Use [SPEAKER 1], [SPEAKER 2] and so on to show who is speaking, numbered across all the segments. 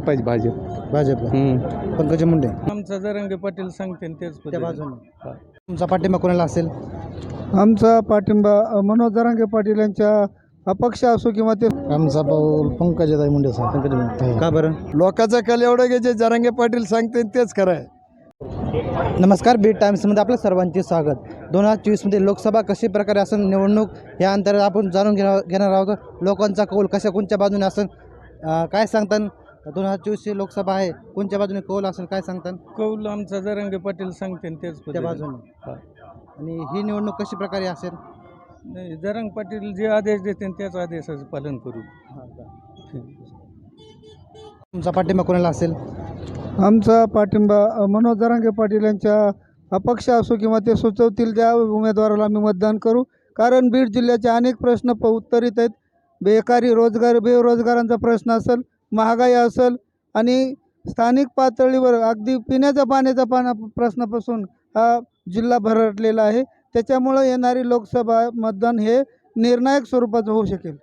[SPEAKER 1] पाहिजे भाजप.
[SPEAKER 2] भाजपला पंकज मुंडे.
[SPEAKER 3] आमचा जरांगे पाटील सांगते तेच
[SPEAKER 2] त्या बाजूने तुमचा पाठिंबा कोणाला असेल?
[SPEAKER 4] आमचा पाठिंबा मनोज जरांगे पाटील यांच्या अपक्ष असो किंवा ते
[SPEAKER 2] आमचा पाऊल पंकजाताई मुंडे साहेब. पंकज मुंडे. का बरं?
[SPEAKER 1] लोकांचा कल एवढं की जे जरांगे पाटील सांगते तेच खरं आहे.
[SPEAKER 2] नमस्कार, बीट टाइम्समध्ये आपलं सर्वांचे स्वागत. 2024मध्ये लोकसभा कशी प्रकारे असेल निवडणूक या अंतर्गत आपण जाणून घेणार आहोत. लोकांचा कौल कशा कोणत्या बाजूने असेल काय सांगतात? 2024ची लोकसभा आहे, कोणत्या बाजूने कौल असेल काय सांगतात?
[SPEAKER 3] कौल आमचा जरांगे पाटील सांगते तेच
[SPEAKER 2] त्या बाजूने. आणि ही निवडणूक कशी प्रकारे असेल?
[SPEAKER 3] नाही, जरांगे पाटील जे आदेश देते त्याच आदेशाचं पालन करू.
[SPEAKER 2] तुमचा पाठिंबा कोणाला असेल?
[SPEAKER 4] आमचा पाठिंबा मनोज जरांगे पाटील यांच्या अपक्ष असो किंवा ते सुचवतील त्या उमेदवाराला आम्ही मतदान करू. कारण बीड जिल्ह्याचे अनेक प्रश्न उत्तरित आहेत. बेकारी, बेरोजगारांचा प्रश्न असेल, महागाई असेल आणि स्थानिक पातळीवर अगदी पिण्याच्या पाण्याचा प्रश्नापासून हा जिल्हा भरटलेला आहे. त्याच्यामुळं येणारी लोकसभा मतदान हे निर्णायक स्वरूपाचं होऊ शकेल.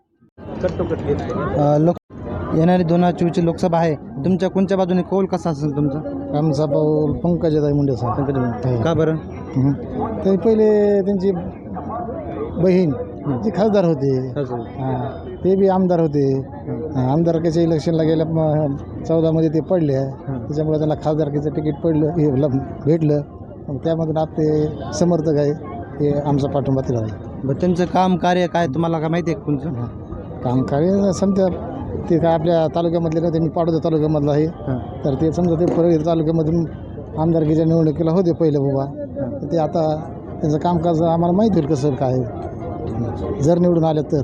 [SPEAKER 2] येणारी 2024ची लोकसभा आहे, तुमच्या कोणत्या बाजूने कौल कसा असेल तुमचा?
[SPEAKER 4] आमचा पाऊल पंकजाताई मुंडे साहेब.
[SPEAKER 2] पंकज मुंडे. का बरं?
[SPEAKER 4] ते पहिले त्यांची बहीण जी खासदार होते, ते बी आमदार होते. आमदारकीच्या इलेक्शनला गेल्या 14मध्ये ते पडले, त्याच्यामुळे त्यांना खासदारकीचं तिकीट भेटलं. त्यामधून आप ते समर्थक आहे, हे आमचा पाठिंबा तिला आहे.
[SPEAKER 2] त्यांचं काम कार्य काय तुम्हाला काय माहिती आहे? तुमचं
[SPEAKER 4] काम कार्य समजा ते काय आपल्या तालुक्यामधले ना, त्यांनी पाडोदा तालुक्यामधलं आहे. तर ते समजा ते परळी तालुक्यामधून आमदारकीच्या निवडणुकीला होते पहिले बाबा. तर ते आता त्यांचं कामकाज आम्हाला माहिती होईल कसं काय जर निवडून आले तर.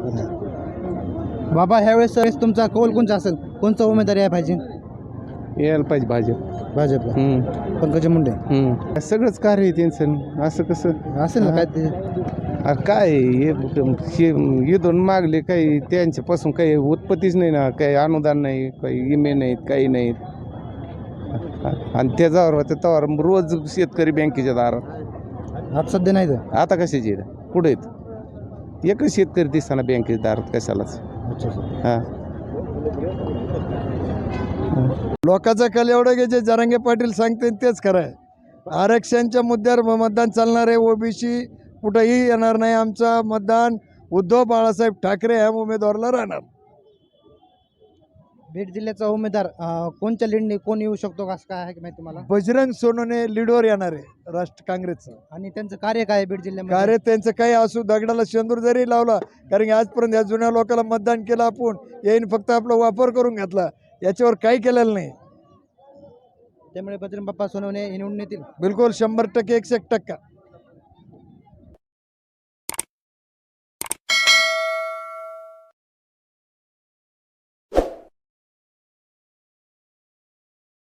[SPEAKER 2] बाबा ह्यावेळेस तुमचा कौल कोणता असेल? कोणचा उमेदवार यायला पाहिजे?
[SPEAKER 1] यायला पाहिजे भाजप.
[SPEAKER 2] भाजपला पंकज मुंडे.
[SPEAKER 1] सगळंच कार्य आहे त्यांचं. असं कसं
[SPEAKER 2] असेल ना काय ते?
[SPEAKER 1] अरे काय इथून मागले काही त्यांच्यापासून काही उत्पत्तीच नाही ना, काही अनुदान नाही, काही इमे नाहीत, काही नाहीत. आणि त्याच्यावर त्यावर रोज शेतकरी बँकेच्या दारात.
[SPEAKER 2] आज सध्या नाही तर
[SPEAKER 1] आता कशाचे पुढे आहेत? एकच शेतकरी दिसताना बँकेच्या दारात कशालाच. हां, लोकांचा कल एवढं की जे जरांगे पाटील सांगते तेच खरं आहे. आरक्षणच्या मुद्द्यावर मतदान चालणार आहे. ओबीसी कुठंही येणार नाही. आमचा मतदान उद्धव बाळासाहेब ठाकरे ह्या उमेदवाराला राहणार.
[SPEAKER 2] बीड जिल्ह्याचा उमेदवार कोणत्या लीडने कोण येऊ शकतो असं काय आहे की माहिती तुम्हाला?
[SPEAKER 1] बजरंग सोनवणे लीडवर येणार आहे राष्ट्र काँग्रेसचं.
[SPEAKER 2] आणि त्यांचं कार्य काय आहे बीड जिल्ह्यामध्ये?
[SPEAKER 1] कार्य त्यांचं काही असू, दगडाला शेंदूर जरी लावला, कारण की आजपर्यंत या जुन्या लोकांना मतदान केलं आपण, येईन फक्त आपला वापर करून घेतला, याच्यावर काही केलेलं नाही.
[SPEAKER 2] त्यामुळे बजरंग बाप्पा सोनवणे निवडून येतील.
[SPEAKER 1] बिलकुल 100% 101%.